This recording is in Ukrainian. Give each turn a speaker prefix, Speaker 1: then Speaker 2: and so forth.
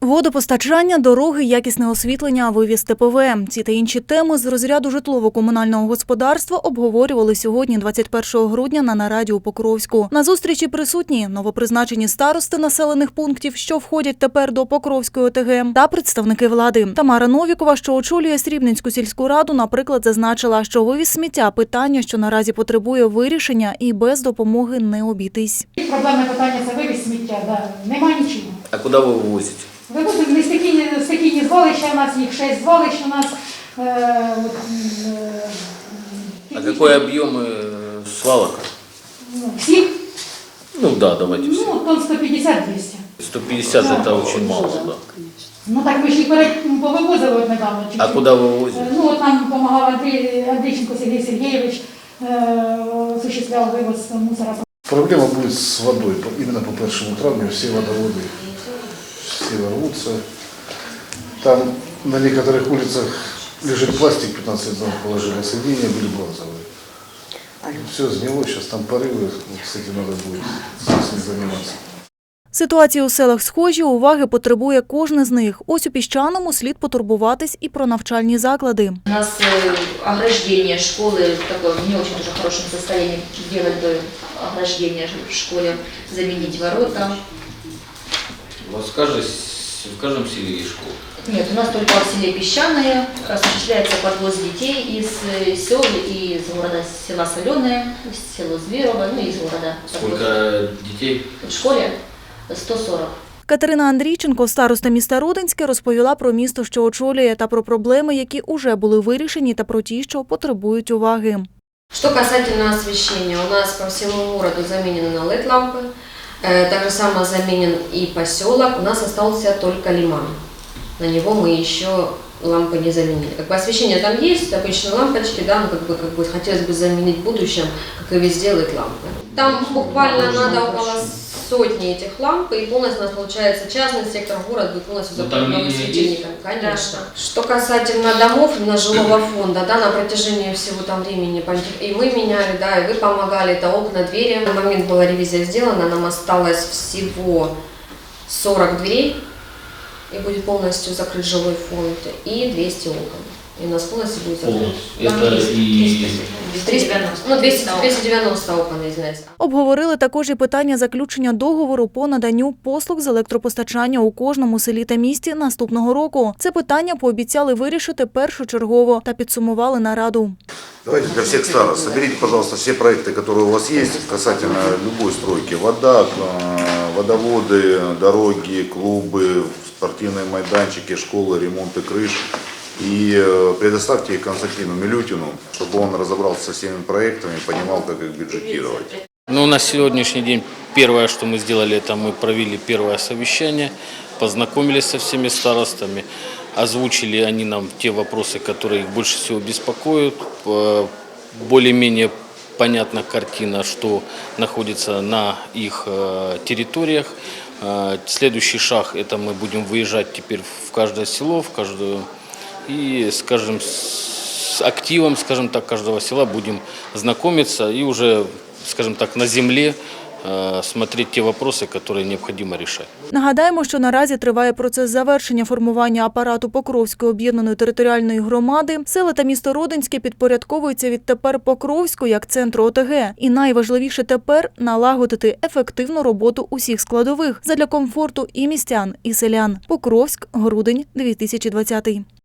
Speaker 1: Водопостачання, дороги, якісне освітлення, вивіз ТПВ. Ці та інші теми з розряду житлово-комунального господарства обговорювали сьогодні, 21 грудня, на нараді у Покровську. На зустрічі присутні новопризначені старости населених пунктів, що входять тепер до Покровської ОТГ, та представники влади. Тамара Новікова, що очолює Срібненську сільську раду, наприклад, зазначила, що вивіз сміття – питання, що наразі потребує вирішення і без допомоги не обійтись.
Speaker 2: Проблемне питання – це вивіз сміття, немає нічого.
Speaker 3: А куди ви вивозите?
Speaker 2: Вивозимо стихійні звалища, у нас їх 6 звалищ у нас.
Speaker 3: А какой объем свалок?
Speaker 2: Всіх?
Speaker 3: Ну да, давайте все.
Speaker 2: Тонн 150-200.
Speaker 3: 150 это очень мало, да.
Speaker 2: Ну так ми ж їх повивозили недавно.
Speaker 3: А куди ви вивозите?
Speaker 2: Ну от нам допомагав Андрійченко Сергій Сергійович, осуществляв вивоз мусора.
Speaker 4: Проблема будет с водой. Именно по 1 травню все водоводы все рвутся. Там на некоторых улицах лежит пластик, 15 лет назад положили, соединения были бронзовые. Все сгнило, сейчас там порывы, с этим надо будет с ним заниматься.
Speaker 1: Ситуації у селах схожі, уваги потребує кожне з них. Ось у Піщаному слід потурбуватись і про навчальні заклади.
Speaker 5: У нас ограждение школы в таком не очень тоже хорошем состоянии. Делать бы ограждение в школе, заменить ворота.
Speaker 3: У вас в каждом селе есть школа?
Speaker 5: Нет, у нас только в селе Песчаное осуществляется подвоз детей из сел и из города села Соленое, село Зверово, ну и из города.
Speaker 3: Сколько детей?
Speaker 5: В школе 140.
Speaker 1: Катерина Андрійченко, староста міста Родинське, розповіла про місто, що очолює, та про проблеми, які уже були вирішені, та про ті, що потребують уваги.
Speaker 6: Что касательно освещения, у нас по всему городу заменены на LED-лампы, так же само заменен и поселок, у нас остался только лиман. На него мы еще лампы не заменили. Как бы освещение там есть, обычные лампочки, да, но как бы хотелось бы заменить в будущем, как и везде, LED-лампы. Там буквально надо около сотни этих ламп, и полностью у нас получается частный сектор города будет полностью заполнен светильниками, конечно. Что касательно домов, именно жилого фонда, да, на протяжении всего там времени и мы меняли, да, и вы помогали, это окна, двери. На момент была ревизия сделана, нам осталось всего 40 дверей, и будет полностью закрыт жилой фонд, и 200 окон. И у нас полностью будет закрыт.
Speaker 3: Это и
Speaker 6: 290 окон, извиняюсь.
Speaker 1: Обговорили також і питання заключення договору по наданню послуг з електропостачання у кожному селі та місті наступного року. Це питання пообіцяли вирішити першочергово та підсумували нараду.
Speaker 7: Давайте для всех старост соберите, пожалуйста, все проекты, которые у вас есть касательно любой стройки. Вода, водоводы, дороги, клубы, спортивные майданчики, школы, ремонты крыш. И предоставьте их Константину Милютину, чтобы он разобрался со всеми проектами и понимал, как их бюджетировать.
Speaker 3: Ну, на сегодняшний день первое, что мы сделали, это мы провели первое совещание, познакомились со всеми старостами, озвучили они нам те вопросы, которые их больше всего беспокоят, более-менее понятна картина, что находится на их территориях. Следующий шаг – это мы будем выезжать теперь в каждое село, в каждую. И, скажем, с активом, скажем так, каждого села будем знакомиться и уже, скажем так, на земле смотреть те вопросы, которые необходимо решать.
Speaker 1: Нагадаємо, що наразі триває процес завершення формування апарату Покровської об'єднаної територіальної громади. Села та місто Родинське підпорядковуються відтепер Покровську як центру ОТГ. І найважливіше тепер – налагодити ефективну роботу усіх складових задля комфорту і містян, і селян. Покровськ, грудень, 2020.